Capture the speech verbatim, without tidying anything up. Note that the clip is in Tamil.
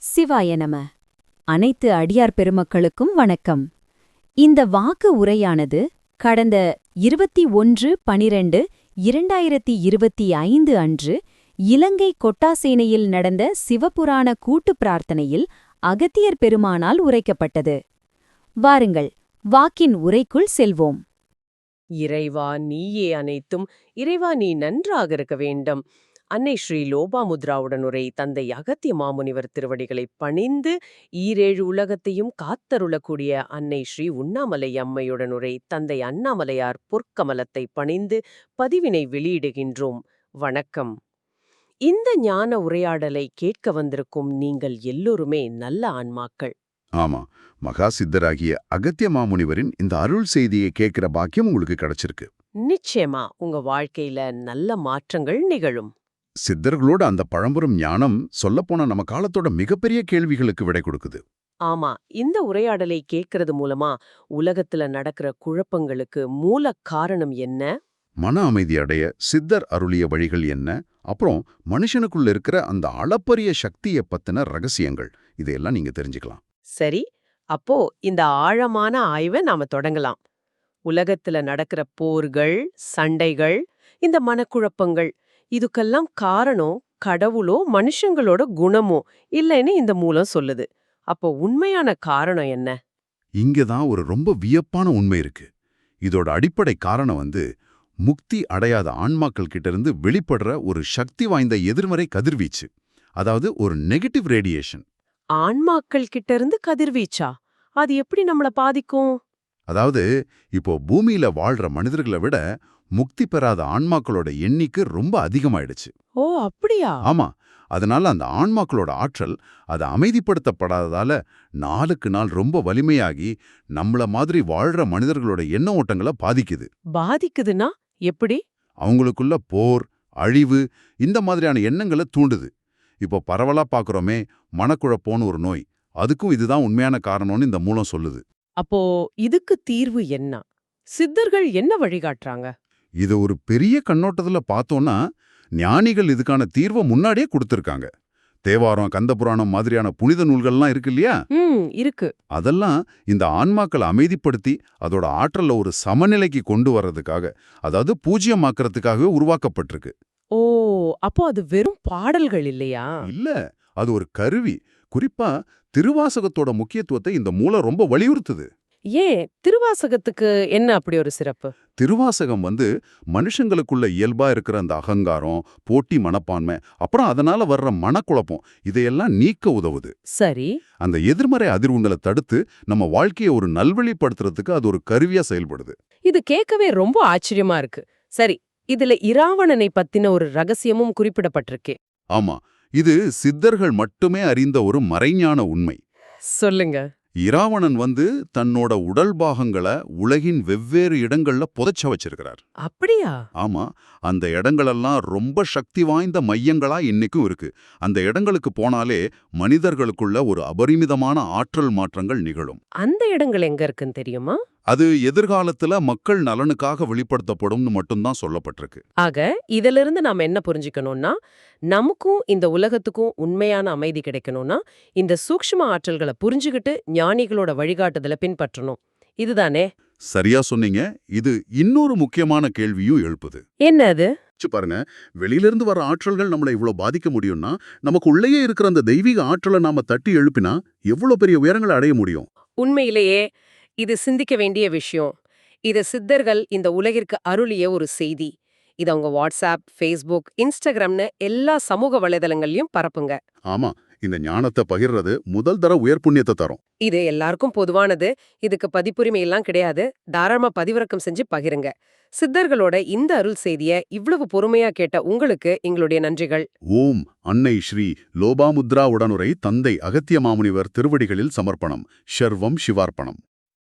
சிவாய நம. அனைத்து அடியார் பெருமக்களுக்கும் வணக்கம். இந்த வாக்கு உரையானது கடந்த இருபத்தி ஒன்று பனிரெண்டு இரண்டாயிரத்தி இருபத்தி ஐந்து அன்று இலங்கை கொட்டாசேனையில் நடந்த சிவபுராண கூட்டுப் பிரார்த்தனையில் அகத்தியர் பெருமானால் உரைக்கப்பட்டது. வாருங்கள், வாக்கின் உரைக்குள் செல்வோம். இறைவா நீயே அனைத்தும், இறைவா நீ நன்றாக இருக்க வேண்டும். அன்னை ஸ்ரீ லோபாமுத்ராவுடன் உரை தந்தை அகத்திய மாமுனிவர் திருவடிகளை பணிந்து ஈரேழு உலகத்தையும் காத்தருளக்கூடிய அன்னை ஸ்ரீ உண்ணாமலை அம்மையுடன் உரை தந்தை அண்ணாமலையார் பொற்கமலத்தை பணிந்து பதிவினை வெளியிடுகின்றோம். வணக்கம். இந்த ஞான உரையாடலை கேட்க வந்திருக்கும் நீங்கள் எல்லோருமே நல்ல ஆன்மாக்கள். ஆமா, மகா சித்தராகிய அகத்திய மாமுனிவரின் இந்த அருள் செய்தியை கேட்கிற பாக்கியம் உங்களுக்கு கிடைச்சிருக்கு. நிச்சயமா உங்க வாழ்க்கையில நல்ல மாற்றங்கள் நிகழும். சித்தர்களோட அந்த பழம்பெரும் ஞானம் சொல்லப்போன நம்ம காலத்தோட மிகப்பெரிய கேள்விகளுக்கு விடை கொடுக்குது. ஆமா, இந்த உரையாடலை கேட்கறது மூலமா உலகத்துல நடக்கிற குழப்பங்களுக்கு மூல காரணம் என்ன, மன அமைதி அடைய சித்தர் அருளிய வழிகள் என்ன, அப்புறம் மனுஷனுக்குள்ள இருக்கிற அந்த அளப்பரிய சக்தியை பத்தின ரகசியங்கள், இதையெல்லாம் நீங்க தெரிஞ்சுக்கலாம். சரி, அப்போ இந்த ஆழமான ஆய்வை நாம தொடங்கலாம். உலகத்துல நடக்கிற போர்கள், சண்டைகள், இந்த மனக்குழப்பங்கள், இதுக்கெல்லாம் காரணம் கடவுளோ மனுஷங்களோட குணமோ இல்லைன்னு இந்த மூலம் சொல்லுது. அப்போ உண்மையான காரணம் என்ன? இங்கதான் ஒரு ரொம்ப வியப்பான உண்மை இருக்கு. இதோட அடிப்படை காரணம் வந்து முக்தி அடையாத ஆன்மாக்கள் கிட்ட இருந்து வெளிப்படுற ஒரு சக்தி வாய்ந்த எதிர்மறை கதிர்வீச்சு, அதாவது ஒரு நெகட்டிவ் ரேடியேஷன். ஆன்மாக்கள் கிட்ட இருந்து கதிர்வீச்சா? அது எப்படி நம்மள பாதிக்கும்? அதாவது இப்போ பூமியில வாழ்ற மனிதர்களை விட முக்தி பெறாத ஆன்மாக்களோட எண்ணிக்கை ரொம்ப அதிகமாயிடுச்சு. ஓ அப்படியா? ஆமா, அதனால அந்த ஆன்மாக்களோட ஆற்றல் அது அமைதிப்படுத்தப்படாததால நாளுக்கு நாள் ரொம்ப வலிமையாகி நம்மள மாதிரி வாழ்ற மனிதர்களோட எண்ண ஓட்டங்களை பாதிக்குது. பாதிக்குதுன்னா எப்படி? அவங்களுக்குள்ள போர், அழிவு, இந்த மாதிரியான எண்ணங்களை தூண்டுது. இப்போ பரவலா பாக்குறோமே மனக்குழப்பம்னு ஒரு நோய், அதுக்கும் இதுதான் உண்மையான காரணம்னு இந்த மூலம் சொல்லுது. அப்போ இதுக்கு தீர்வு என்ன? சித்தர்கள் என்ன வழிகாட்டுறாங்க? இது ஒரு பெரிய கண்ணோட்டத்துல பார்த்தோம்னா ஞானிகள் இதுக்கான தீர்வை முன்னாடியே கொடுத்திருக்காங்க. தேவாரம், கந்தபுராணம் மாதிரியான புனித நூல்கள்லாம் இருக்கு இல்லையா? ம் இருக்கு. அதெல்லாம் இந்த ஆன்மாக்களை அமைதிப்படுத்தி அதோட ஆற்றல்ல ஒரு சமநிலைக்கு கொண்டு வர்றதுக்காக, அதாவது பூஜ்யமாக்குறதுக்காகவே உருவாக்கப்பட்டிருக்கு. ஓ, அப்போ அது வெறும் பாடல்கள் இல்லையா? இல்ல, அது ஒரு கருவி. குறிப்பா திருவாசகத்தோட முக்கியத்துவத்தை இந்த மூலம் ரொம்ப வலியுறுத்துது. ஏன் திருவாசகத்துக்கு என்ன அப்படி ஒரு சிறப்பு? திருவாசகம் வந்து மனுஷங்களுக்குள்ள இயல்பா இருக்கிற அந்த அகங்காரம், போட்டி மனப்பான்மை, அப்புறம் அதனால வர்ற மனக்குழப்பம், இதையெல்லாம் நீக்க உதவுது. சரி. அந்த எதிர்மறை அதிர்வுகளை தடுத்து நம்ம வாழ்க்கையை ஒரு நல்வழிப்படுத்துறதுக்கு அது ஒரு கருவியா செயல்படுது. இது கேட்கவே ரொம்ப ஆச்சரியமா இருக்கு. சரி, இதுல இராவணனை பத்தின ஒரு ரகசியமும் குறிப்பிடப்பட்டிருக்கே. ஆமா, இது சித்தர்கள் மட்டுமே அறிந்த ஒரு மறைஞான உண்மை. சொல்லுங்க. இராவணன் வந்து தன்னோட உடல் பாகங்களை உலகின் வெவ்வேறு இடங்கள்ல புதைச்ச வச்சிருக்கிறார். அப்படியா? ஆமா, அந்த இடங்களெல்லாம் ரொம்ப சக்தி வாய்ந்த மையங்களா இன்னைக்கும் இருக்கு. அந்த இடங்களுக்கு போனாலே மனிதர்களுக்குள்ள ஒரு அபரிமிதமான ஆற்றல் மாற்றங்கள் நிகழும். அந்த இடங்கள் எங்க இருக்குன்னு தெரியுமா? அது எதிர்காலத்துல மக்கள் நலனுக்காக வெளிப்படுத்தப்படும்னு மட்டும்தான் சொல்லப்பட்டிருக்கு. ஆக இதிலிருந்து நாம என்ன புரிஞ்சுக்கணும்னா, நமக்கும் இந்த உலகத்துக்கும் உண்மையான அமைதி கிடைக்கணும்னா இந்த சூக்ஷ்ம ஆற்றல்களை புரிஞ்சுகிட்டு ஞானிகளோட வழிகாட்டுதலை பின்பற்றணும். இதுதானே? சரியா சொன்னீங்க. இது இன்னொரு முக்கியமான கேள்வியும் எழுப்புது. என்ன அது? பாருங்க, வெளியிலிருந்து வர ஆற்றல்கள் நம்மளை இவ்வளவு பாதிக்க முடியும்னா, நமக்கு உள்ளேயே இருக்கிற அந்த தெய்வீக ஆற்றலை நாம தட்டி எழுப்பினா எவ்வளவு பெரிய உயரங்களை அடைய முடியும். உண்மையிலேயே இது சிந்திக்க வேண்டிய விஷயம். இது சித்தர்கள் இந்த உலகிற்கு அருளிய ஒரு செய்தி. இது அவங்க வாட்ஸ்அப், ஃபேஸ்புக், இன்ஸ்டாகிராம்னு எல்லா சமூக வலைதளங்களையும் பரப்புங்க. ஆமா, இந்த ஞானத்தை பகிர்றது முதல் தர உயர் புண்ணியத்தை தரும். இது எல்லாருக்கும் பொதுவானது. இதுக்கு பதிப்புரிமை எல்லாம் கிடையாது. தாராளமா பதிவிறக்கம் செஞ்சு பகிருங்க. சித்தர்களோட இந்த அருள் செய்திய இவ்வளவு பொறுமையா கேட்ட உங்களுக்கு எங்களுடைய நன்றிகள். ஓம் அன்னை ஸ்ரீ லோபாமுத்ரா உடனுரை தந்தை அகத்திய மாமுனிவர் திருவடிகளில் சமர்ப்பணம். ஷர்வம் சிவார்ப்பணம்.